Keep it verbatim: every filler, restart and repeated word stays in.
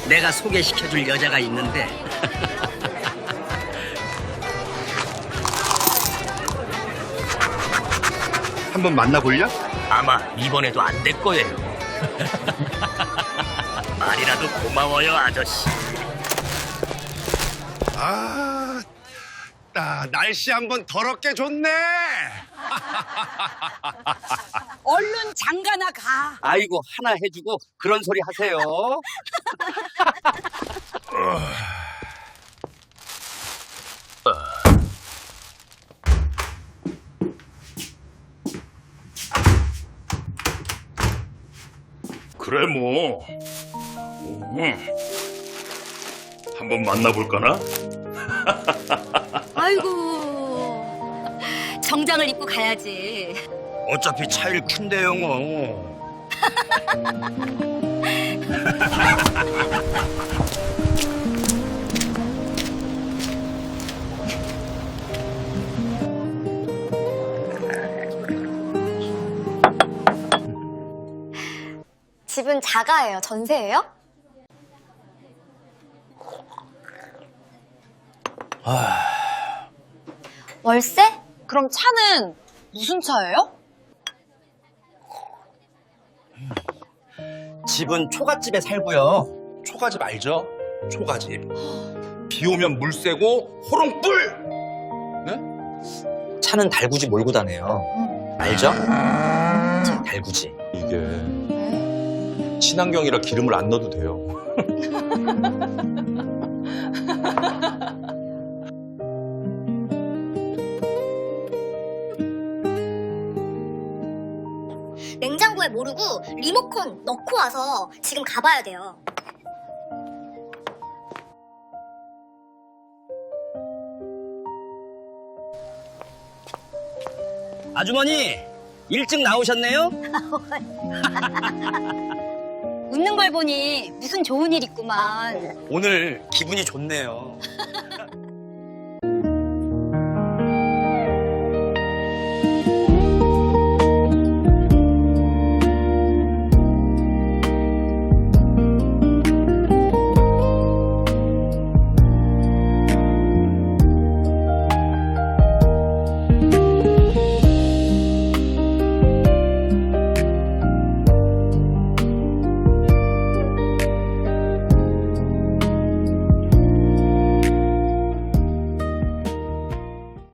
내가 소개시켜줄 여자가 있는데. 한번 만나볼려? 아마 이번에도 안 될 거예요. 말이라도 고마워요, 아저씨. 아, 나 날씨 한번 더럽게 좋네. 얼른 장가나 가. 아이고, 하나 해주고 그런 소리 하세요. 그래 뭐 음. 한번 만나볼까나? 아이고, 정장을 입고 가야지. 어차피 차일 큰데요, 뭐. 집은 자가예요? 전세예요? 월세? 그럼 차는 무슨 차예요? 집은 초가집에 살고요. 초가집 알죠? 초가집. 비 오면 물 새고 호롱불! 네? 차는 달구지 몰고 다녀요. 알죠? 달구지. 이게 친환경이라 기름을 안 넣어도 돼요. 냉장고에 모르고 리모컨 넣고 와서 지금 가봐야 돼요. 아주머니, 일찍 나오셨네요? 웃는 걸 보니 무슨 좋은 일 있구만. 오늘 기분이 좋네요.